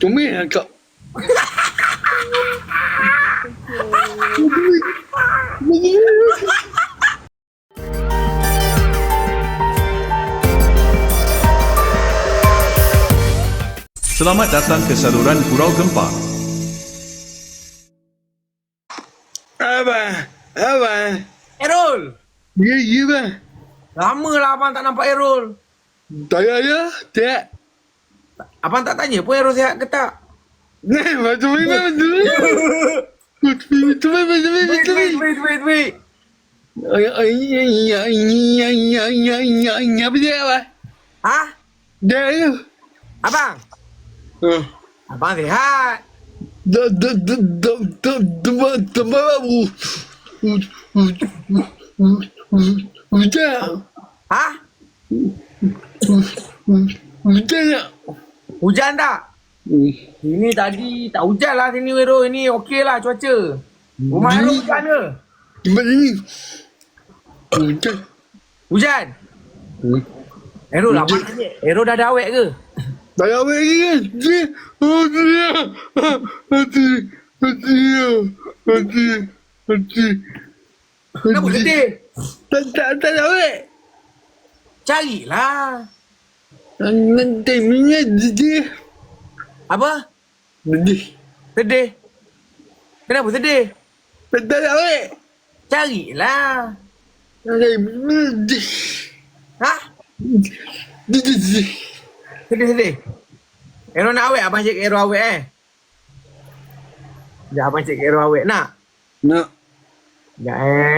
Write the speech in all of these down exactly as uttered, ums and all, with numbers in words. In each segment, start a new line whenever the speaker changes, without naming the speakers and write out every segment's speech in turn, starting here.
Comel lah kak.
Selamat datang ke saluran Gurau Gempa.
Abang, abang.
Errol!
Ya, ya bang.
Lama lah abang tak nampak Errol.
Tak ada, tak.
Abang tak tanya pun Errol sihat ke tak?
Nah, macam mana, macam mana? Macam mana, macam mana,
Wait,
macam
wait,
mana?
wait, wait, wait.
Ay, ay, ay, ay, ay, ay, ay, ay, ay, apa dia, abang?
Ha?
Dah, ya.
Abang?
Ah.
Abang sihat.
Da, da, da, da, da, da, da, babu. Hujan.
Ha?
Hujan tak?
Hujan tak? Ini tadi tak hujan lah sini Errol. Ini okey lah cuaca. Rumah Errol hujan ke?
Tempat ini. Hujan.
Hujan? Errol abang tanya. Errol dah ada awet ke?
Tak ada apa lagi kan? Dia, oh dia, hati, hati, hati, hati.
Kenapa sedih?
Tak, tak, tak ada apa.
Carilah.
Nanti minyak dia.
Apa?
Sedih.
Sedih? Kenapa sedih?
Tak, tak ada apa.
Carilah.
Nanti minyak.
Ha?
Dia, dia, dia.
Sedih-sedih. Errol nak awet, abang cek Errol awet eh. Sekejap abang cek Errol awet nak.
Nak.
Sekejap eh.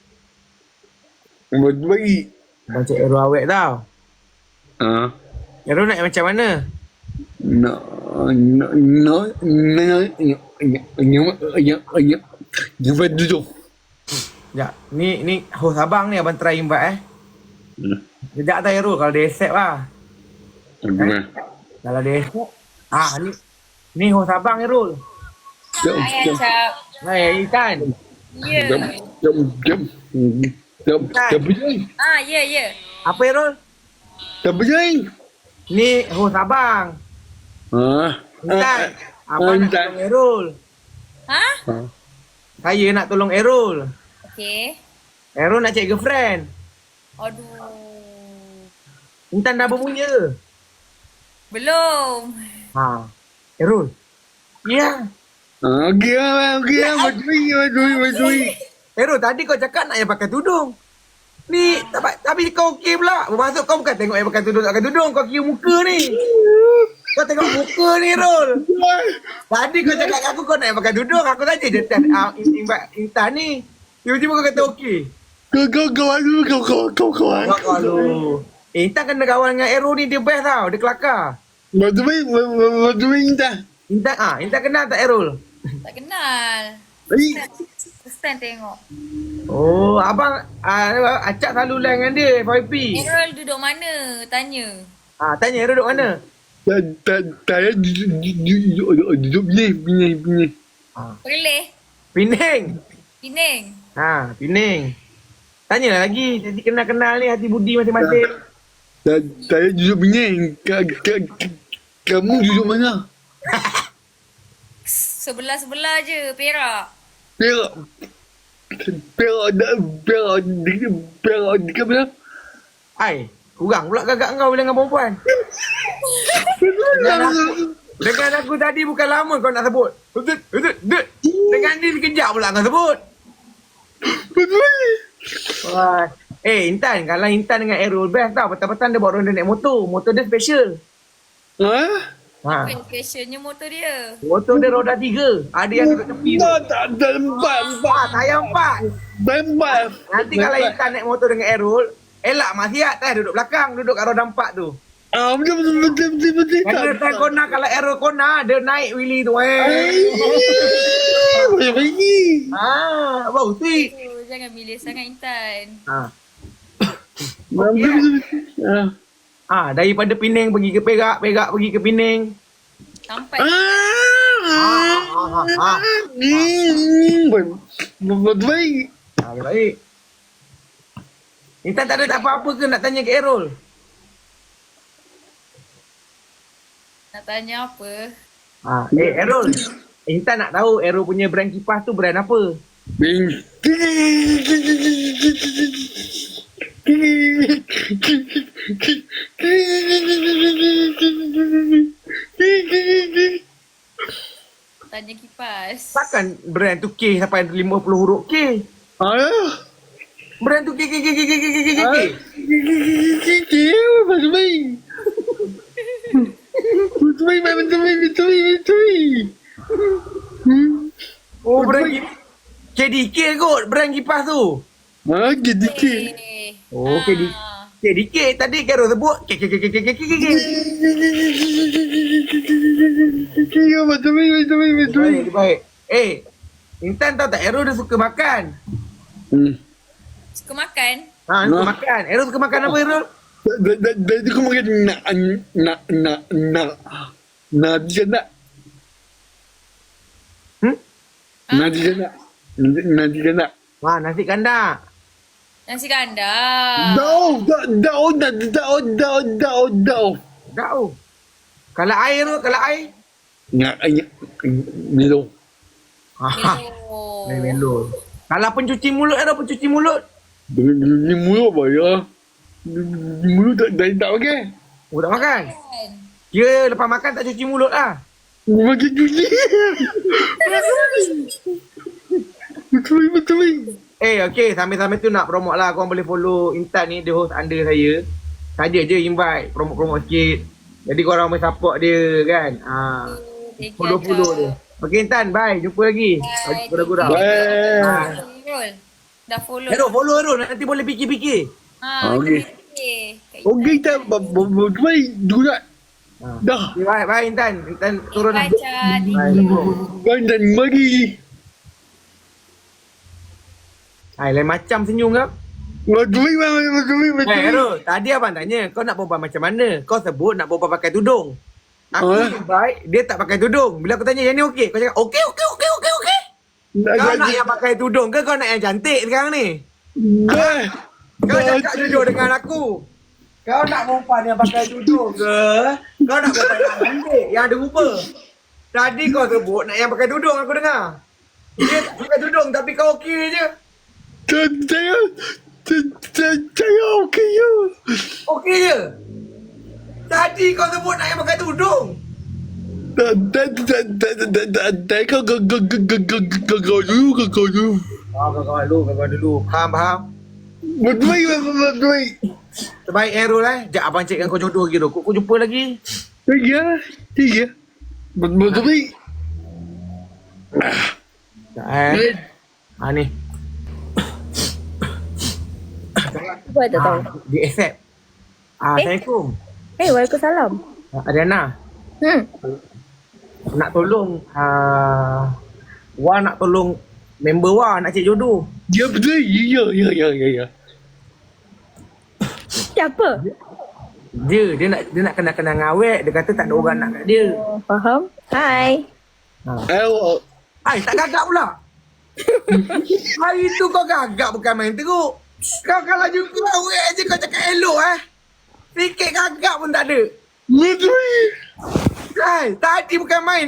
Buat bagi.
Abang cek Errol awet tau.
Ah.
Errol nak macam mana?
Nak, nak, nak, nak, nak, nak, nak, nak, nak, duduk.
Sekejap. Ni, ni host abang ni abang try invite eh. Sekejap tak Errol kalau dia accept lah.
Gimana?
Kalau dia accept. Ah ni. Ni host abang Errol.
Jom,
Hai
jom,
Acap.
Hai Ikan.
Ya.
jom, jom, jom, jom, jom, jom,
Ah, ya, ya.
Apa Errol?
jom, jom.
Ni host abang.
Ah,
Ikan. Abang nak
Intan.
tolong Errol.
Ha?
Saya nak tolong Errol.
Okey.
Errol nak cek girlfriend.
Aduh.
Intan dah bermunya.
Belum.
Ha. Errol. Ya.
Ah, okey lah, okey lah, macam ni, macam ni, macam ni.
Errol tadi kau cakap nak yang pakai tudung. Ni tapi, tapi kau okey pula. Bermaksud kau bukan tengok yang pakai tudung tak pakai tudung, kau kira muka ni. Kau tengok muka ni Errol. Tadi kau cakap kat aku kau nak yang pakai tudung, aku tanya je Tan uh, Intan ni. Tiba-tiba kau kata okey.
Kau, kau, kawan dulu, kau, kau, kau, kawan.
Kau kalau eh, Intan kena kawan dengan Errol ni dia best tau, dia kelakar.
Macam ni, macam ni, Intan.
Intan ah, Intan kenal tak Errol?
Tak kenal.
Ai,
Stand tengok.
Oh, abang ah, acak selalu lain dengan dia F Y P.
Errol duduk mana? Tanya.
Ah, tanya Errol duduk mana?
tak, tak, tak, duduk, duduk, duduk, duduk, Penang, Penang, Penang.
Perleh.
Pening.
Pening.
Ha, Pening. Tanyalah lagi, jadi kenal-kenal ni hati budi masing-masing.
Tak, tak, duduk Penang. Ka, ka, ka, kamu duduk mana?
Sebelah-sebelah je. Perak.
Perak. Perak, dah, perak, dekat, perak, dekat mana?
Ai, kurang pula gagak kau bila dengan perempuan. Dengan aku, dengan aku tadi bukan lama kau nak sebut. Betul, betul, betul. Dengan dia sekejap pula kau sebut.
Betul.
Wah. Eh, Intan, kalau Intan dengan Errol best tau. Petang-petang dia bawa ronda naik motor. Motor dia special.
Ha?
Ha.
Fashionnya motor dia.
Motor dia roda tiga. Ada yang duduk tepi tu.
Tak, tak, tak, empat, empat.
Ah, saya empat.
Tak, empat.
Nanti kalau Intan naik motor dengan Errol, elak Masyat kan duduk belakang, duduk kat roda empat tu.
Ah, betul, betul, betul, betul, betul.
Kena time kona, kalau Errol kona, dia naik Willy tu. Eh.
Banyak lagi.
Ah, bau sweet.
Oh, jangan milih sangat Intan.
Ah.
Betul, betul, betul. Ah.
Ah, daripada Pening pergi ke Perak, Perak pergi ke Pening.
Sampai.
Ah.
Ah, ah, ah.
Hmm, betul baik.
Ah, baik. Intan tak ada tak apa-apa ke nak tanya ke Errol?
Nak tanya apa?
Ah, eh Errol. Intan nak tahu Errol punya brand kipas tu brand apa?
Bing.
Tanya kipas.
Takkan brand tu K sampai lima puluh huruf K.
Ah.
Brand tu K K K K K K K K K.
Betul baik. Betul baik, betul baik, betul baik, betul baik.
Oh brand kipas. K D K kot brand kipas tu.
Ah, sedikit.
Eh.
Oh K D K.
Ah.
K D K tadi Carol sebut K K K K K K K K.
Ya, betul baik, betul baik, betul baik.
Baik, baik. Eh, Intan tahu tak Errol dia suka makan.
Hmm.
Suka makan?
Ha, dia suka
Nah.
makan. Errol suka makan apa Errol?
Dari tu kau makan nak nak nak nak nak dia nak
Hmm?
nak dia nak nak dia nak.
Wah, nasi kandar.
Nasi kandar.
Dah dah dah dah dah dah dah dah.
Tak tahu. Kalau air tu, kalau air.
Nak nak melo.
Ha,
Oh.
melo. Kalau pencuci mulut ada pencuci mulut.
Ni mulut apa ya? Ni mulut tak dah tak pakai.
Oh, tak makan.
Kan?
Dia lepas makan tak cuci mulut lah.
Makin cuci. Betul betul.
Eh, okey. Sambil-sambil tu nak promote lah. Korang boleh follow Intan ni. Dia host under saya. Saja je invite. Promote-promote sikit. Jadi korang boleh support dia kan. Ha.
Thank you,
Follow-follow dia. Okey Intan, bye. Jumpa lagi.
Bye.
Gurau-gurau.
Bye.
Ha.
Errol. Dah follow.
Errol, follow Errol. Nanti boleh fikir-fikir.
Ha,
Okey.
okey. Kak
Okey tak baik juga.
Ha.
Dah.
Okay, bye, bye Intan. Intan turun.
Bye, Cak.
Bye.
Kan dan bagi.
Hai, lain macam senyum kau.
Betul betul betul betul.
Eh, Errol, tadi abang tanya, kau nak perempuan macam mana? Kau sebut nak perempuan pakai tudung. Aku
Ah.
yang baik, dia tak pakai tudung. Bila aku tanya, yang ni okey? Kau cakap, okey, okey, okey, okey, okey. Kau nak yang pakai tudung ke kau nak yang cantik sekarang ni?
Dah.
Kau cakap jujur dengan aku. Kau nak perempuan yang pakai tudung ke? Kau nak perempuan yang cantik, yang ada rupa? Tadi kau sebut nak yang pakai tudung aku dengar. Dia tak pakai tudung tapi kau okey je.
Saya saya saya okey ya.
Okey je. Tadi kau sebut nak yang pakai tudung.
Dah dah dah dah dah dah dah kau kau kau kau kau kau kau dulu kau kau dulu.
Oh, kawan dulu, kawan dulu. Faham, faham?
Betul betul betul.
Terbaik Errol eh. Sekejap abang cekkan kau jodoh lagi tu. Kau, kau jumpa lagi.
Tiga tiga. Betul betul.
Sekejap eh. Ha ni.
Apa tak tahu?
Ah, dia accept. Ah, Assalamualaikum.
Eh, waalaikumsalam.
Ah, Adriana,
Hmm.
nak tolong ah Wah nak tolong member Wah nak cek jodoh.
Ya betul. Ya ya ya ya ya.
Siapa?
Dia dia nak dia nak kenal-kenal dengan awet. Dia kata tak ada orang nak kat dia.
Oh, faham? Hai.
Eh,
Ai tak gagap pula. Hari tu kau gagap bukan main teruk. Kau kalau jumpa awet je kau cakap elok eh. Sikit gagap pun tak ada.
betul.
Hai, tadi bukan main.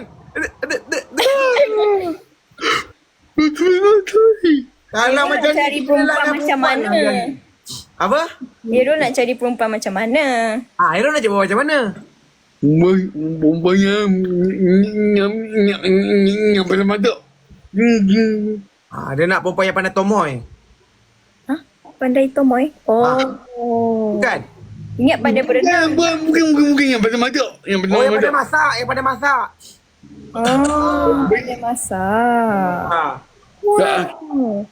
Betul betul.
Kalau
Dia
macam
nak cari
ni,
perempuan
kita lah
macam
perempuan
mana?
lah jadi. Apa?
Hero nak cari perempuan macam mana?
Ah, Hero nak cakap macam mana?
Bombanya nyam nyam nyam pada mata.
Ah, dia nak perempuan yang pandai tomoy.
Hah? Pandai tomoy? Oh.
Ah.
Oh.
Bukan?
Ingat pandai berenang.
Bukan bukan bukan bukan yang pada mata. Yang pada
Oh, yang
mata.
pandai masak, yang pandai masak.
Oh, pandai masak.
Ah.
Wow.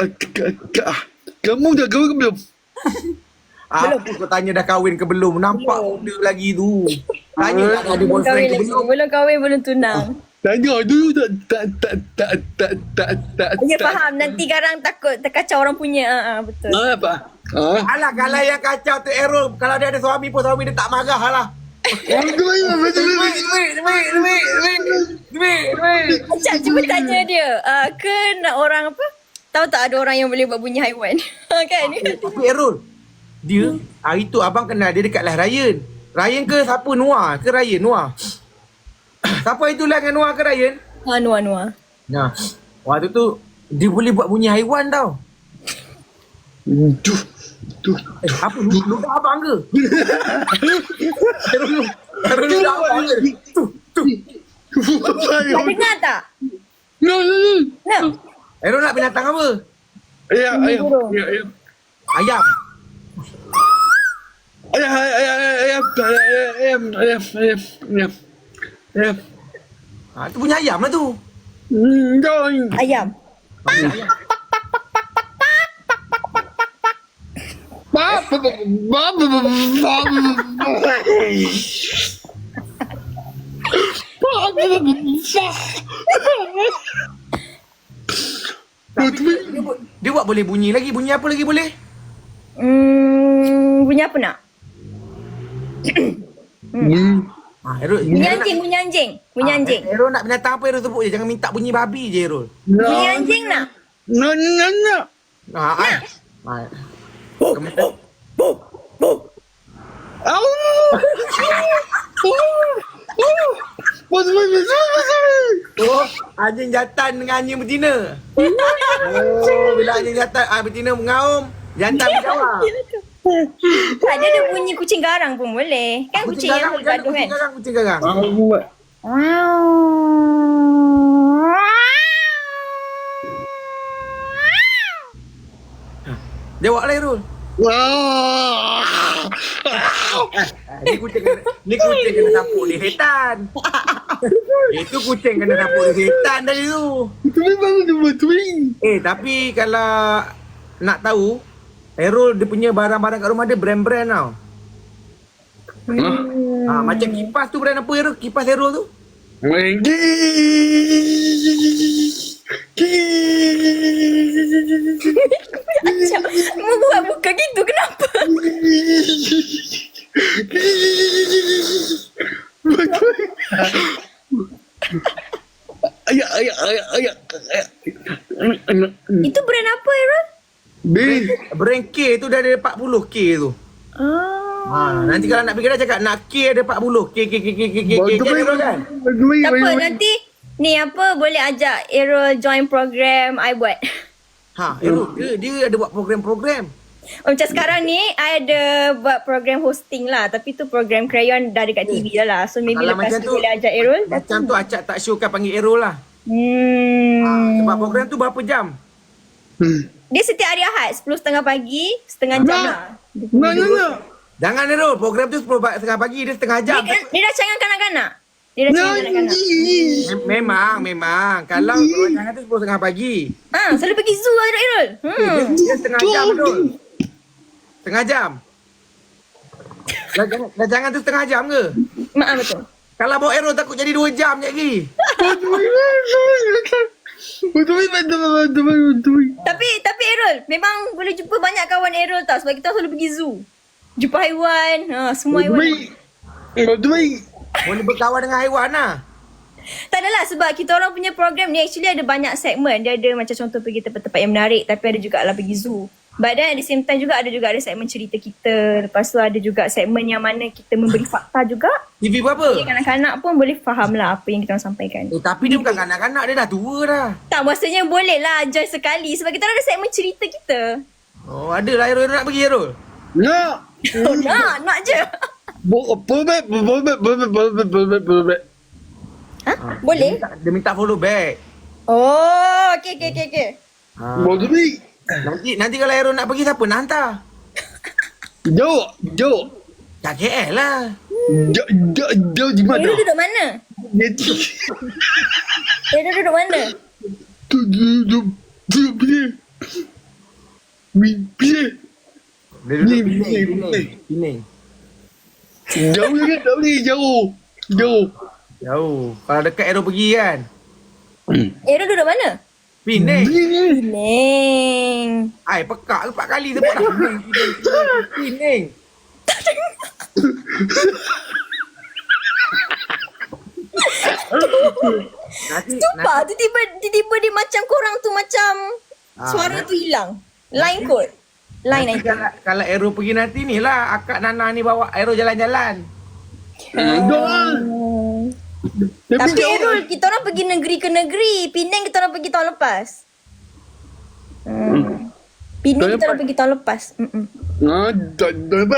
Kamu dah kahwin ke belum?
Apa kau tanya dah kahwin ke belum? Nampak muda lagi tu. Tanya tak ada
Belum
boyfriend
kahwin
ke
lagi.
belum?
Belum kahwin, belum tunang.
Tanya dulu tak tak tak tak tak tak tak.
Ya, faham. Nanti garang takut terkacau orang punya. Ah, ah, betul.
Apa? Ah.
Alah, kalau yang kacau tu Errol. Kalau dia ada suami pun suami dia tak marah lah.
Betul betul
Duit, duit, duit, duit, duit, duit, duit.
Macam cuba tanya dia. Uh, ke nak orang apa? Tahu tak ada orang yang boleh buat bunyi haiwan? Kan?
Tapi Errol, dia hari tu abang kenal dia dekat lah Ryan. Ryan ke siapa? Noah ke Ryan? Noah. Siapa itu lah dengan Noah ke Ryan?
Anu anu. ah.
Nah, waktu tu dia boleh buat bunyi haiwan tau.
Tuh, tuh.
Eh, apa? Ludah abang ke? Terus terus ludah abang ke? Tu, tu.
Kau dengar tak?
No, no, no.
No.
Aaron nak binatang apa?
Ayam, ayam,
burung.
ayam, ayam.
Ayam.
Ayam, ayam, ayam, ayam, ayam, ayam, ayam, ayam, ayam.
Ha, tu punya ayam lah tu.
Hmm, jangan.
Ayam.
Ba, ba, ba, ba, ba, ba, ba, ba.
Tapi dia, buat- dia buat boleh bunyi lagi. Bunyi apa lagi boleh?
Hmm, bunyi apa nak?
Hmm.
Ha, Aaron,
Bunyi
Aaron
anjing, bunyi anjing. Bunyi
nak,
anjing.
ha, Aaron nak binatang apa Aaron sebut je. Jangan minta bunyi babi je Aaron.
Bunyi anjing nak?
No, no, no.
Ha, ha. Ha. Kementerian-
Au! Bos, bos, bos, bos.
Oh, anjing jantan dengan anjing betina. Oh, bila anjing jantan, ah, betina mengaum, jantan berjawab.
Ada ada bunyi kucing garang pun boleh. Kan kucing, yang
garang,
bergaduh
kucing
kan?
garang, kucing garang.
Aku buat.
Jawab lah Irul.
Wah.
Ah, ni kucing kena, ni kucing kena sapu di setan. Itu kucing kena sapu di setan tadi tu.
Tapi baru dia buat twin.
Eh, tapi kalau nak tahu, Errol dia punya barang-barang kat rumah dia brand-brand tau. Ah, macam kipas tu brand apa Errol? Kipas Errol tu?
Macam mu buat muka gitu kenapa?
Ayah, ayah, ayah, ayah.
Itu brand apa Aaron?
B.
Brand K tu dah ada empat puluh K tu.
Oh.
Ha, nanti kalau nak pergi dah cakap nak K ada empat puluh. K, K, K, K, K, K, K, K, Errol kan?
Tak apa nanti ni apa boleh ajak Errol join program I buat.
Ha, Errol dia, dia ada buat program-program.
Oh, macam sekarang ni I ada buat program hosting lah. Tapi tu program crayon dah dekat T V dah lah. So maybe
Kalau
lepas
macam
tu
tu,
boleh ajak Errol.
Macam tu Acak tak show kan panggil Errol lah.
Hmm.
Ha, sebab program tu berapa jam?
Dia setiap hari Ahad sepuluh tiga puluh pagi, setengah jam
Nak.
lah.
No, no, no.
Jangan Errol, program tu sepuluh setengah pagi dia setengah
Dia,
jam.
dia dah canggah kanak-kanak. Dia dah
No,
canggah kanak-kanak.
Mem- Memang, memang. Kalau jangan tu sepuluh setengah pagi.
Ah, selalu pergi zoo lah Errol.
Eh,
Hmm.
dia, dia setengah jam betul. Setengah jam. Dah jangan, dah jangan tu setengah jam ke?
Maaf betul.
Kalau bawa Errol takut jadi dua jam je lagi.
Betul, betul, betul, betul.
Tapi tapi Errol, memang boleh jumpa banyak kawan Errol tau sebab kita selalu pergi zoo. Jumpa haiwan, ha, semua haiwan.
Betul.
Boleh berkawan dengan haiwan lah.
Tak adalah sebab kita orang punya program ni actually ada banyak segmen. Dia ada macam contoh pergi tempat-tempat yang menarik tapi ada juga lah pergi zoo. But then at the same time juga ada juga ada segmen cerita kita. Lepas tu ada juga segmen yang mana kita memberi fakta juga.
T V berapa?
Jadi kanak-kanak pun boleh faham lah apa yang kita orang sampaikan.
Eh, tapi dia bukan kanak-kanak, dia dah tua dah.
Tak, maksudnya boleh lah join sekali sebab kita orang ada segmen cerita kita.
Oh, ada lah Errol. Errol nak pergi Errol?
Nak.
Oh, nak, nak je.
Boleh, boleh, boleh, boleh, boleh, boleh.
Ha?
Dia
Boleh?
minta, dia minta follow back.
Oh, okey, okey, okey. Okay.
Ha.
Boleh.
Nanti nanti kalau Errol nak pergi, siapa nak hantar?
Jauh, jauh.
Kat K L lah.
Jauh, jauh, jauh di mana?
Errol duduk mana?
Nanti.
Errol duduk mana?
Tu, tu, tu, tu, pilih. Pilih.
Dia duduk
Ni,
Penang,
ni,
Penang,
ni.
Penang.
Jauh ni, jauh ni, jauh. Jauh.
Jauh. Kalau dekat Errol pergi kan?
Errol duduk mana?
Penang.
Neng.
Ai, pekak empat kali sebut dah. Penang, Penang, Penang. Penang. Nanti,
Sumpah, tiba-tiba, tiba-tiba dia macam korang tu macam
Ah,
suara
nanti-
tu hilang. Line kot. Line
nanti
nanti.
kalau, kalau Errol pergi nanti ni lah Akak Nana ni bawa Errol jalan-jalan.
Jauh.
Hmm. Tapi
dia
Errol, kita orang pergi negeri ke negeri. Penang kita orang pergi tahun lepas. Hmm. Penang
Tahun
kita orang
lepas?
pergi tahun lepas. Mm-mm.
Ah, tak tak apa.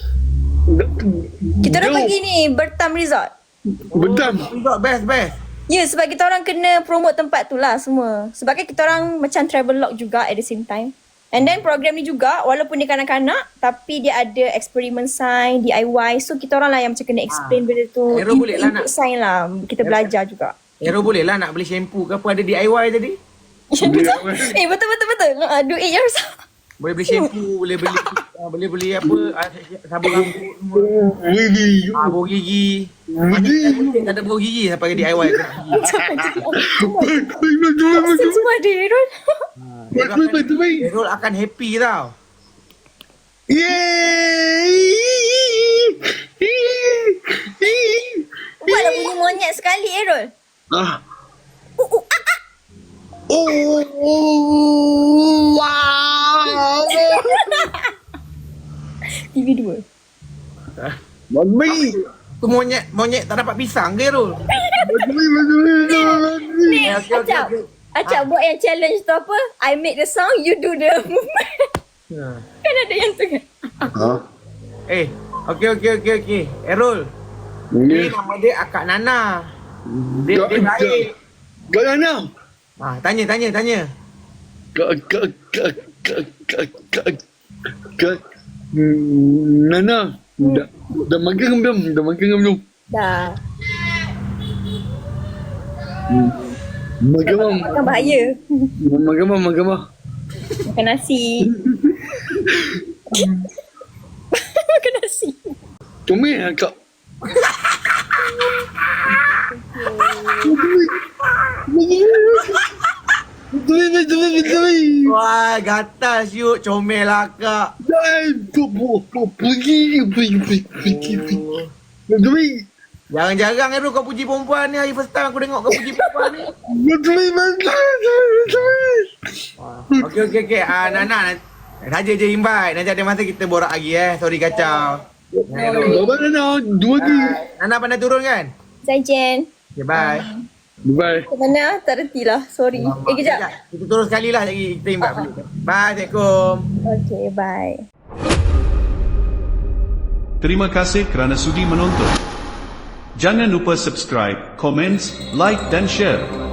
Kita orang
Jauh.
pergi ni Bertam Resort.
Betul.
Resort best best.
Ya, yeah, sebab kita orang kena promote tempat tu lah semua. Sebab kan kita orang macam travel log juga at the same time. And then program ni juga, walaupun dia kanak-kanak, tapi dia ada eksperimen sains, D I Y. So kita orang lah yang macam kena explain benda tu.
Aero boleh lah
Input
nak.
sains lah. Kita belajar juga.
Aero boleh lah nak beli shampoo ke apa, ada D I Y tadi.
betul? Eh, betul-betul-betul. Uh, do it yourself.
Boleh beli shampoo, boleh beli uh, boleh beli apa, uh, sabun rambut semua.
Wih.
Ah, bau gigi. Macam tak ada bau gigi sampai ke D I Y ke.
Vaksin semua ada, Errol.
Betul betul baik.
Errol akan happy tau.
Yeay.
Buatlah bunyi monyet sekali, Errol.
Ah.
Uh, uh, ah, ah.
Oh, wow.
T V dua.
Baik.
Tu monyet monyet tak dapat pisang ke Errol?
Betul betul betul.
Ni,
okey, okey,
Acap.
okey.
Acap buat yang challenge tu apa? I make the sound, you do the movement. Kan ada yang tu kan?
Ah.
Eh, okey okey okey okey. Errol, ni nama dia Akak Nana. Dia dia baik.
Kak Nana.
Ah, tanya tanya tanya.
Kak kak kak kak kak kak kak Nana. Dah dah makan ke belum? Dah makan ke belum?
Dah.
Makan mam.
Makan bahaya.
Makan mam, makan mam.
Makan nasi. Makan nasi.
Comel kak. Betul betul betul.
Wah, gatal siut, comel lah Kak.
Dah tu pergi pergi pergi pergi. Betul.
Jarang-jarang Errol kau puji perempuan ni. Hari first time aku tengok kau puji perempuan ni.
Betul betul.
Okey okey okey. Ah Nana nanti saja je invite. Nanti ada masa kita borak lagi eh. Sorry kacau.
Bapa Nana dua lagi.
Nana pandai turun kan?
Zaijian.
Okay, bye.
Bye.
Ke mana? Tak reti lah. Sorry. Eh, kejap.
Kita turun sekali lah lagi. Kita invite. Bye. Assalamualaikum.
Okay, bye.
Terima kasih kerana sudi menonton. Jangan lupa subscribe, komen, like dan share.